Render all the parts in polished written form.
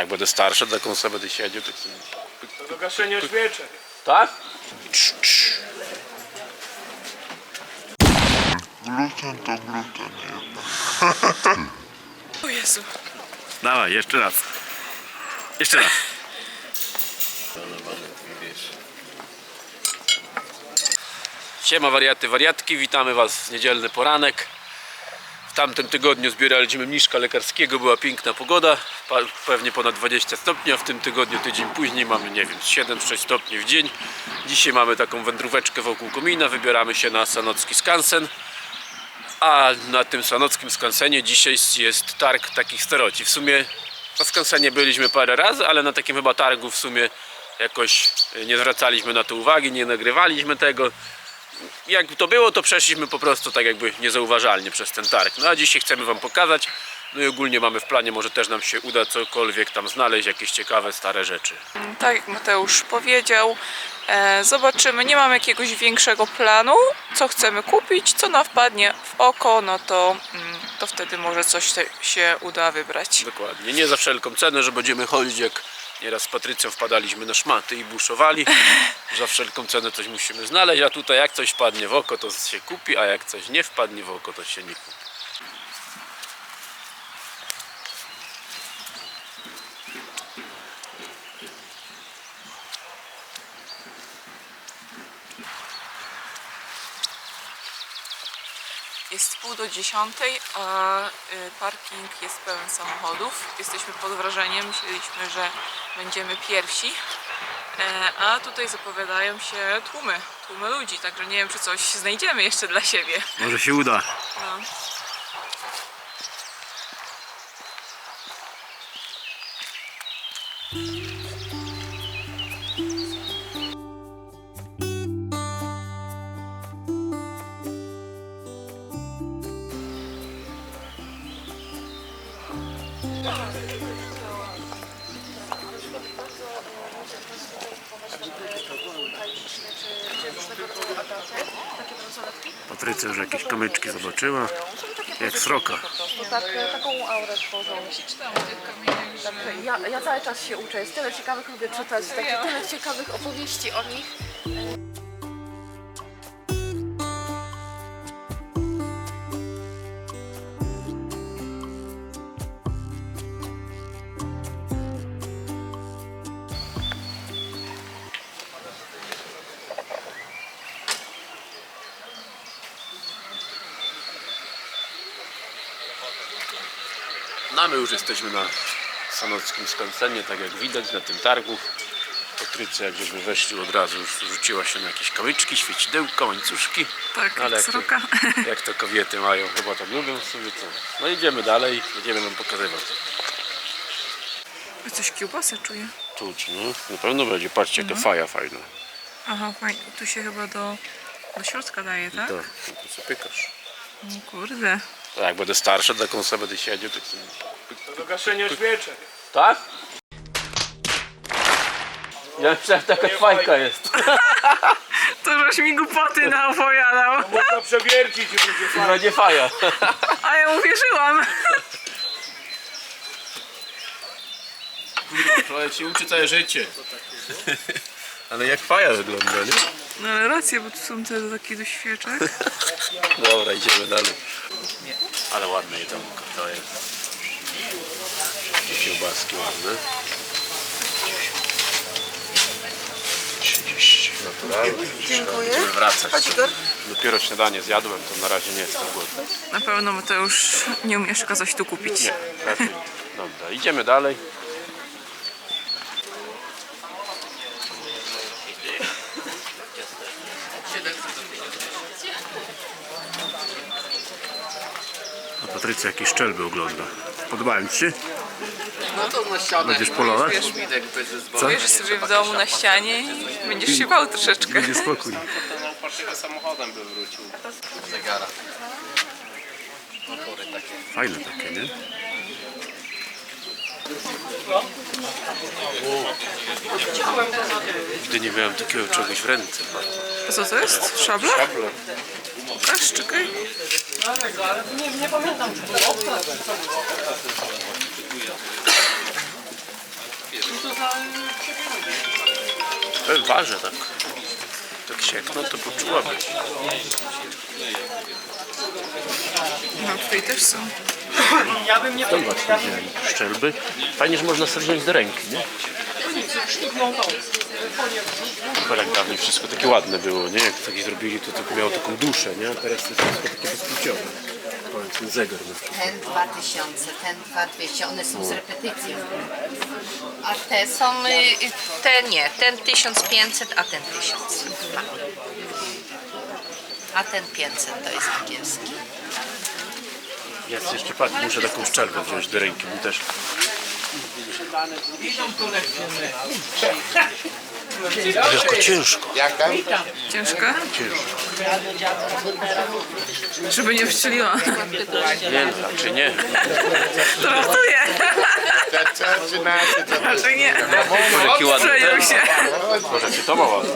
Jak będę starszy, taką sobie będę siedział. Tak sobie... Do gaszenia świeczek. Tak? Gluten to gluten jednak. O Jezu. Dawaj, jeszcze raz. Jeszcze raz. Siema wariaty, wariatki, witamy was w niedzielny poranek. W tamtym tygodniu zbieraliśmy mniszka lekarskiego, była piękna pogoda, pewnie ponad 20 stopni, a w tym tygodniu, tydzień później mamy, nie wiem, 7-6 stopni w dzień. Dzisiaj mamy taką wędróweczkę wokół komina, wybieramy się na Sanocki Skansen. A na tym Sanockim Skansenie dzisiaj jest targ takich staroci. W sumie na skansenie byliśmy parę razy, ale na takim chyba targu w sumie jakoś nie zwracaliśmy na to uwagi, nie nagrywaliśmy tego. Jak to było, to przeszliśmy po prostu tak jakby niezauważalnie przez ten targ. No a dzisiaj chcemy wam pokazać. No i ogólnie mamy w planie, może też nam się uda cokolwiek tam znaleźć, jakieś ciekawe, stare rzeczy. Tak jak Mateusz powiedział, zobaczymy, nie mamy jakiegoś większego planu, co chcemy kupić, co nam wpadnie w oko, no to wtedy może coś się uda wybrać. Dokładnie, nie za wszelką cenę, że będziemy chodzić jak nieraz z Patrycją wpadaliśmy na szmaty i buszowali. Za wszelką cenę coś musimy znaleźć, a tutaj jak coś wpadnie w oko, to się kupi, a jak coś nie wpadnie w oko, to się nie kupi. Jest 9:30, a parking jest pełen samochodów. Jesteśmy pod wrażeniem, myśleliśmy, że będziemy pierwsi, a tutaj zapowiadają się tłumy ludzi, także nie wiem, czy coś znajdziemy jeszcze dla siebie. Może się uda. No. Patrycja już jakieś kamyczki zobaczyła, jak sroka. Taką aurę tworzą. Ja cały czas się uczę, jest tyle ciekawych, lubię czytać, tyle ciekawych opowieści o nich. No my już jesteśmy na Sanockim Skansenie, tak jak widać na tym targu. Patrycja, jak żeśmy weszli, od razu już rzuciła się na jakieś kamyczki, świecidełka, łańcuszki. Tak, ale jak sroka. jak to kobiety mają, chyba to lubią sobie to. No idziemy dalej, będziemy wam pokazywać. Coś kiełbasę czuję. Czuć, no. Na pewno będzie, patrzcie jaka faja fajna. Aha, fajnie. Tu się chyba do środka daje, tak? Tak, to sobie pykasz. No kurde. Tak, jak będę starszy, taką sobie będę siedział, tak sobie... Do gaszenia świeczek. Tak? Ja myślałem, że taka fajka jest. To żeś mi głupoty naopowiadał. Można przewiercić i będzie fajnie. Będzie faja. A ja uwierzyłam. Człowiek się uczy całe życie. Ale jak faja wygląda, nie? No ale rację, bo tu są te takie do świeczek. Dobra, idziemy dalej. Ale ładne jedzonko to jest. Kiełbaski ładne. 30. Naturalnie. Dziękuję. Będziemy wracać. Chodź, Igor. Dopiero śniadanie zjadłem, to na razie nie jestem głodny. Na pewno Mateusz nie umiesz coś tu kupić. Nie, raczej nie. Dobra, idziemy dalej. A Patrycja jakieś szczelby ogląda. Podobają ci się? No to na ścianę. Będziesz polować? Wiesz, widek będzie z boku. Powiesz sobie w domu na ścianie i będziesz się bał troszeczkę. Będzie spokój. Ten upartego samochodem by wrócił. Zegara. Motory takie. Fajne takie, nie? Nigdy nie miałem takiego czegoś w ręce. A co to jest? Szabla? Szabla. Pokaż, czekaj. Nie pamiętam, czy było. Waży tak. Tak siekno, to poczułabyś. No tutaj też są. To właśnie wzięli szczelby. Fajnie, że można sobie wziąć do ręki, nie? Jak dawniej wszystko takie ładne było, nie? Jak takie zrobili, to tylko miało taką duszę, nie? A teraz to jest wszystko takie bezpłciowe. Powiedzmy zegar na przykład. Ten 2000, ten 2200, one są z repetycją. A te są, te nie, ten 1500, a ten 1000. A ten 500 to jest angielski. Jest jeszcze patrz, muszę taką szczelbę wziąć do ręki, bo też. Ciężko, ciężko. Ciężka? Żeby nie wstrzeliła. Nie, no, raczej nie. Żartuję. Raczej nie. Jaki ładny Przejął ten. się. Może ci to ma ładnie.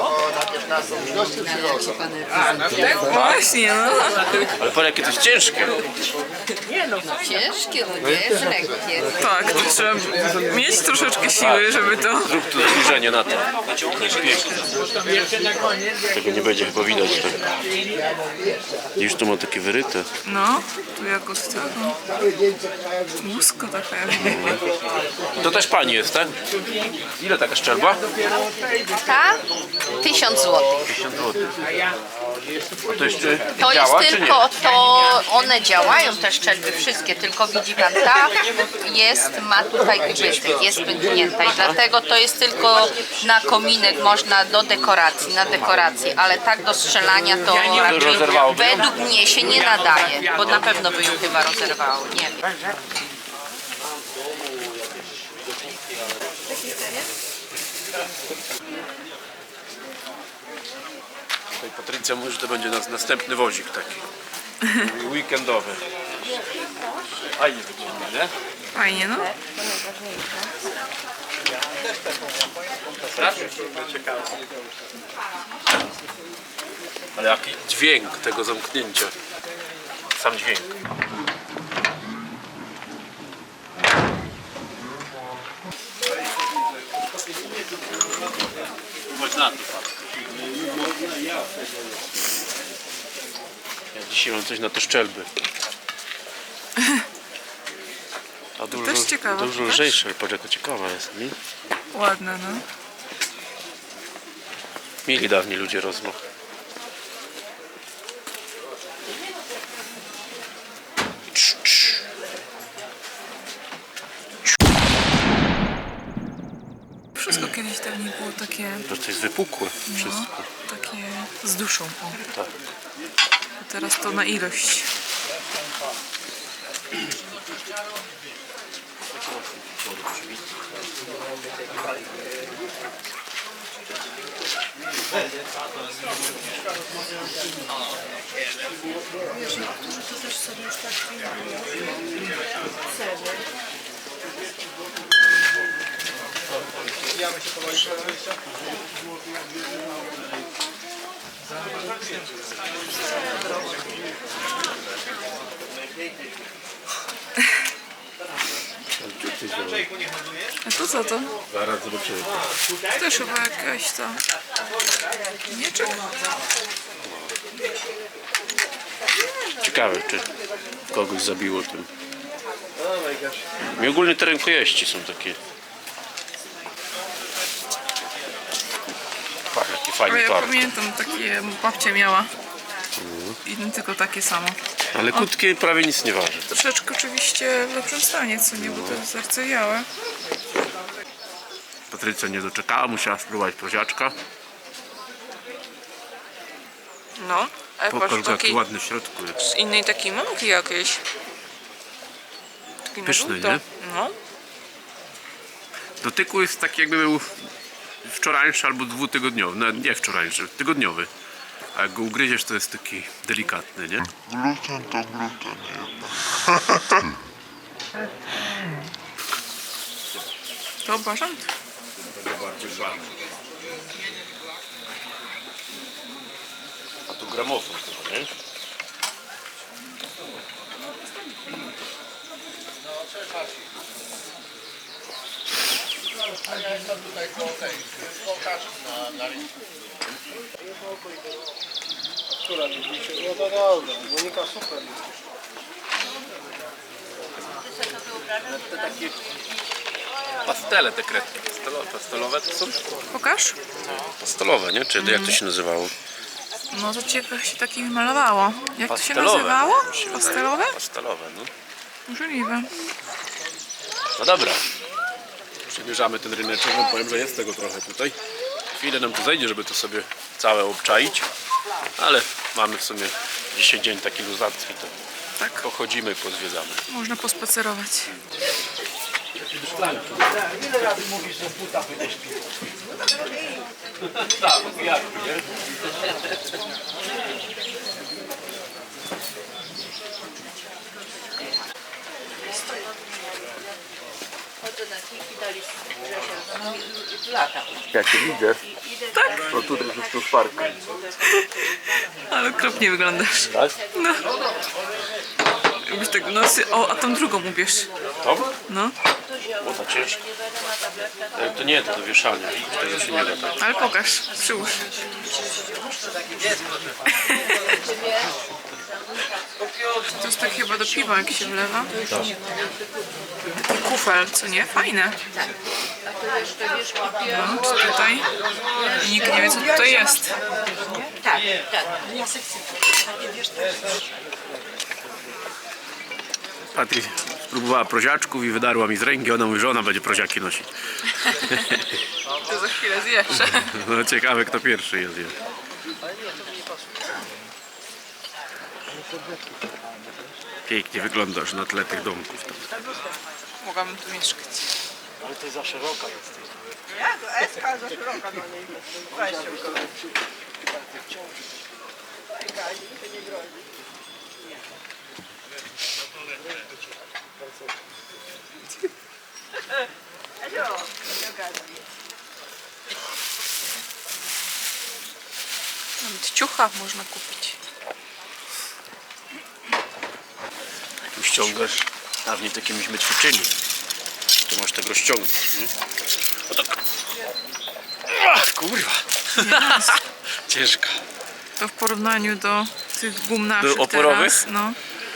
Właśnie, no. Ale patrz, jakie to jest ciężkie. Ciężkie, no nie jest lekkie. Tak, to trzeba mieć troszeczkę siły, żeby to... Zrób tu zbliżenie na to. To jest piękne. Tego nie będzie chyba widać. Tak. Już tu ma takie wyryte. No, tu jako z tego. Łusko taka jakby. To też pani jest, tak? Ile taka szczelba? Ta? 1000 zł. 50 zł. A to jeszcze To jest działa, czy nie? tylko, to one działają te szczelby wszystkie, tylko widzi pan, ta jest, ma tutaj ubytek, jest pęknięta i dlatego to jest tylko na kominek, można do dekoracji, na dekorację, ale tak do strzelania to raczej rozerwałoby ją? według mnie się nie nadaje, bo na pewno by ją chyba rozerwało, nie wiem. Tutaj Patrycja mówi, że to będzie następny wozik taki. Weekendowy. Fajnie wygląda, nie? Fajnie, no. Ale jaki dźwięk tego zamknięcia. Sam dźwięk. Chodź na to, ja dzisiaj mam coś na te szczelby. A dużo, też ciekawe, dużo też? lżejsze, ale patrz jaka ciekawa jest, nie? Ładne, no. Mieli dawniej ludzie rozmach. Wszystko kiedyś dawniej było takie, To jest wypukłe wszystko. takie z duszą. O. Tak. A teraz to na ilość. A to co to? Zaraz zobaczymy. Też chyba jakaś ta... Mieczek? Ciekawe, czy kogoś zabiło tym. I ogólnie te rękojeści są takie. Patrz, jaki A fajny ja tor. pamiętam, takie babcia miała. Tylko takie samo. Ale krótkie prawie nic nie waży. Troszeczkę oczywiście w lepszym stanie, co nie, bo to jest zardzewiałe. Patrycja nie doczekała, musiała spróbować proziaczka. No, ale Pokaż, patrz, jaki taki ładny w środku jest. z innej takiej mąki jakiejś. Taki na Pyszny, żółto. nie? No. Dotyku jest taki jakby był wczorajszy albo dwutygodniowy. No, nie wczorajszy, tygodniowy. A jak go ugryziesz, to jest taki delikatny, nie? Gluten to gluten jednak. To bażant? A tu gramofon chyba, nie? No to dobra, Monika super. Pastele te kredki. Pastelowe to są? Pokaż. Pastelowe, nie? Czy jak to się nazywało? No to cię się takimi malowało. Jak to się Pastelowe. nazywało? Mi się wydaje. Pastelowe? Pastelowe, no. Możliwe. No dobra. Przemierzamy ten ryneczek, no powiem, że jest tego trochę tutaj. Chwilę nam tu zejdzie, żeby to sobie całe obczaić. Ale mamy w sumie dzisiaj dzień taki luzacki, to Tak. pochodzimy, pozwiedzamy. Można pospacerować. Ja cię widzę. Tak? No tutaj jest tu park. Ale okropnie wyglądasz. Tak? No. Jakbyś tak, no, o, a tą drugą ubierz. To? No, O, to ciężko. To nie, to do wieszania. Tego się nie da tak. ale pokaż, przyłóż. To jest tak chyba do piwa, jak się wlewa. Taki kufel, co nie? Fajne. No, czy tutaj? Nikt nie wie, co tutaj jest. Patryk spróbowała proziaczków i wydarła mi z ręki. Ona mówi, że ona będzie proziaki nosić. To za chwilę zjesz. No ciekawe, kto pierwszy jest. Pięknie wyglądasz na tle tych domków. Tam. Mogłabym tu mieszkać. Ale to jest za szeroka jest. Nawet ciucha można kupić. Tu ściągasz. Dawniej takie myśmy ćwiczyli. Tu masz tego ściągnąć, nie? O tak. Ach, kurwa. Ciężka. To w porównaniu do tych gum naszych Do oporowych? teraz, no.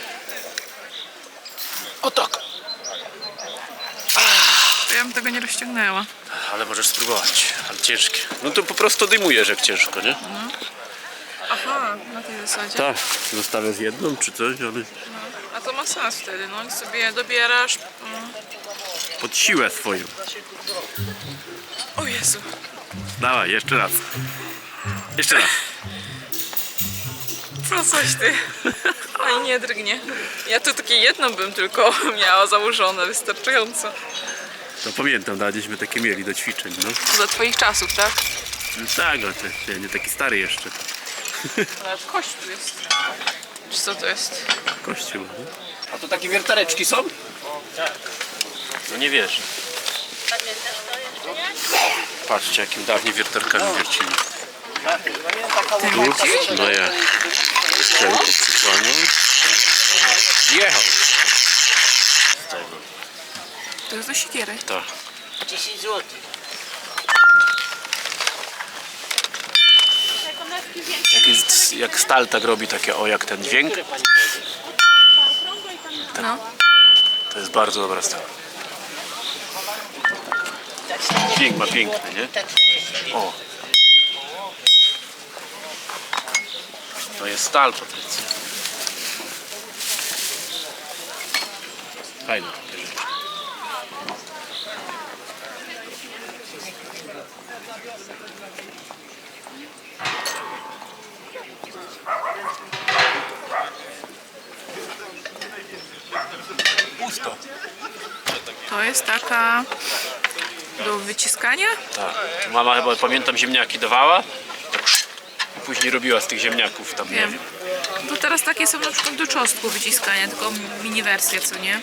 O tak. To ja bym tego nie rozciągnęła. Ale możesz spróbować. Ale ciężkie. No to po prostu odejmujesz jak ciężko, nie? Aha, na tej zasadzie. Tak. Zostawię z jedną czy coś, ale A to ma sens wtedy, no i sobie dobierasz. pod siłę swoją. O Jezu. Dawaj, jeszcze raz. Jeszcze raz. No coś ty. Ani nie drgnie. Ja tu takie jedno bym tylko miała założone, wystarczająco. No pamiętam, daliśmy takie mieli do ćwiczeń, no. Za twoich czasów, tak? No tak, no to ja nie taki stary jeszcze. Ale kość tu jest. Czy co to jest? Kościół. No. A to takie wiertareczki są? Tak. No nie wiesz. Patrzcie, jakim dawniej wiertarkami wiercili. Ty wierciłeś? No ja. Szczelkę przykłaniam. Jechał. Z tego. To jest do siekiery. Tak. 10 zł. Jak stal tak robi takie o jak ten dźwięk, No. to jest bardzo dobra stal. Dźwięk ma piękny, nie? O. To jest stal, Patrycja. Fajne takie rzeczy. Pusto. To jest taka do wyciskania? Tak. Mama chyba, pamiętam, ziemniaki dawała. Tak, i później robiła z tych ziemniaków tam, nie Wiem. wiem. To teraz takie są na przykład do czosnku wyciskania, tylko mini wersje, co nie?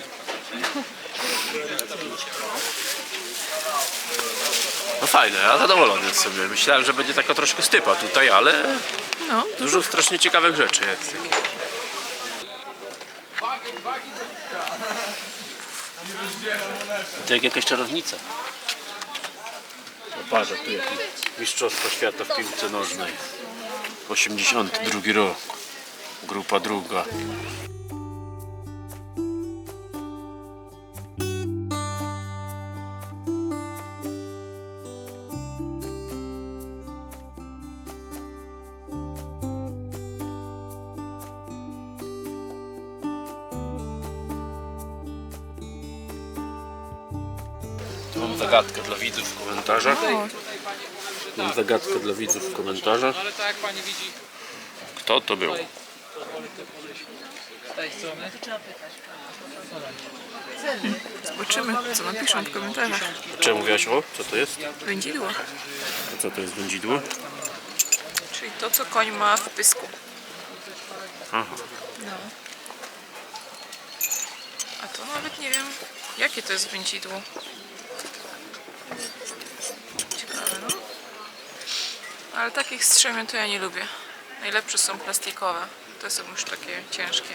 No fajne, ja zadowolony sobie. Myślałem, że będzie taka troszkę stypa tutaj, ale No, dużo strasznie ciekawych rzeczy jest. To jak jakaś czarownica. Patrz, tu jakieś Mistrzostwa Świata w piłce nożnej. 82 rok. Grupa druga. Tu mam zagadkę dla widzów w komentarzach. Mam zagadkę dla widzów w komentarzach. Kto to był? Zobaczymy, co napiszą w komentarzach. Czemu mówiłaś o? Co to jest? Wędzidło, A co to jest wędzidło? czyli to, co koń ma w pysku. Aha. No. A to nawet nie wiem, jakie to jest wędzidło. Ciekawe, no. Ale takich strzemion to ja nie lubię. Najlepsze są plastikowe. Te są już takie ciężkie.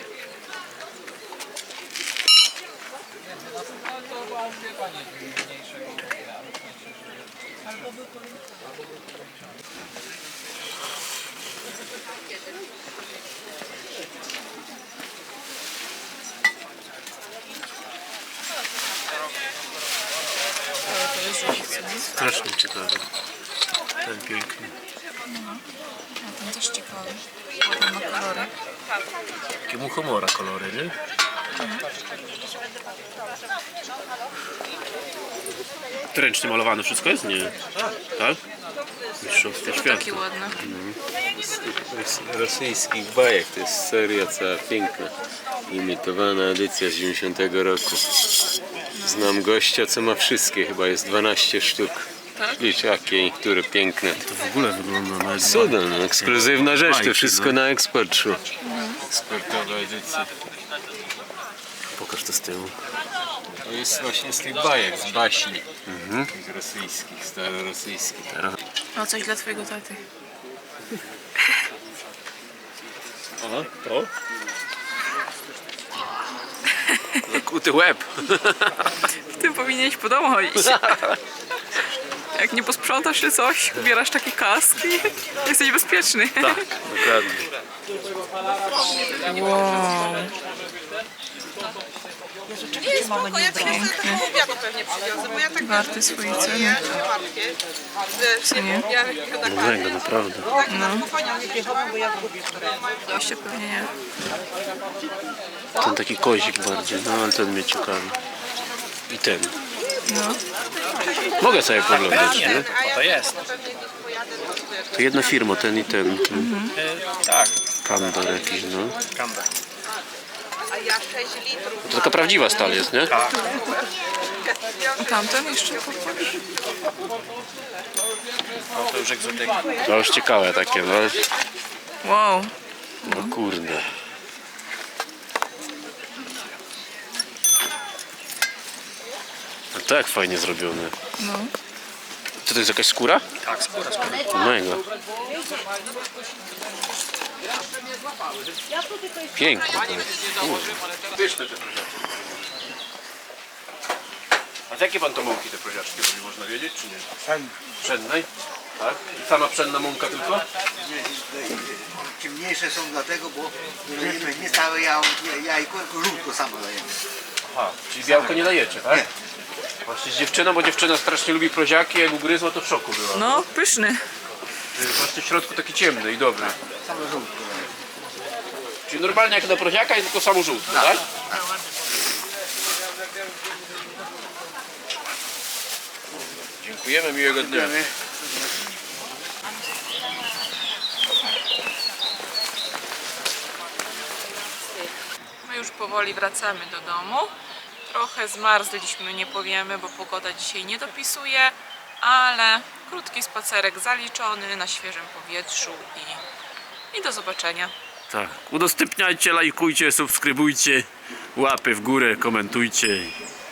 Strasznie ciekawe. Ten piękny. A ten też ciekawy. Ładny ma kolory. Takie mu humora kolory, nie? To ręcznie malowane wszystko jest? Nie. Tak? Mistrzostwo To Świata. taki ładny. Rosyjskich bajek, to jest seria cała piękna. Imitowana edycja z 90 roku. Znam gościa, co ma wszystkie, chyba jest 12 sztuk. Tak? Licz jakie, które piękne. To w ogóle wygląda na Cuda, no, ekskluzywna rzecz, Bajki, to wszystko no. na eksport szło. Eksportowa edycja. Pokaż to z tyłu. To jest właśnie z tych bajek, z baśni. Tych rosyjskich, starorosyjskich. No coś dla twojego taty. Aha, to? Zakuty łeb. W tym powinieneś po domu chodzić. Jak nie posprzątasz czy coś, ubierasz taki kask i jesteś bezpieczny. Tak, dokładnie. Wow. Warty swojej ceny. Co nie? Mega, naprawdę. Goście pewnie nie. Ten taki kozik bardziej, no ale ten mnie ciekawi. I ten. No. Mogę sobie poglądać, nie? To jest. To jedna firma, ten i ten. Tak. Kandar jakiś, no. Kanda. To taka prawdziwa stal jest, nie? A tamten jeszcze popatrz. No to już egzotyka. To już ciekawe takie, no. Wow. No kurde. A to jak fajnie zrobione. No. Co to jest, jakaś skóra? Tak, skóra. Mega. Piękne to jest. Pyszne te proziaczki. A z jakie pan to mąki te proziaczki robi, można wiedzieć, czy nie? Pszennej. Tak? I sama pszenna mąka tylko? Ciemniejsze są dlatego, bo nie całe jajko, tylko żółtko samo dajemy. Aha, czyli białko nie dajecie, tak? Nie. Właśnie z dziewczyną, bo dziewczyna strasznie lubi proziaki, jak ugryzła to w szoku była. No, pyszny. Właśnie w środku taki ciemny i dobry. Samo żółtko. Czyli normalnie jak na proziaka jest tylko samo żółtko, tak? Dziękujemy, miłego dnia. My już powoli wracamy do domu. Trochę zmarzliśmy, nie powiemy, bo pogoda dzisiaj nie dopisuje, ale krótki spacerek zaliczony na świeżym powietrzu i do zobaczenia. Tak, udostępniajcie, lajkujcie, subskrybujcie, łapy w górę, komentujcie.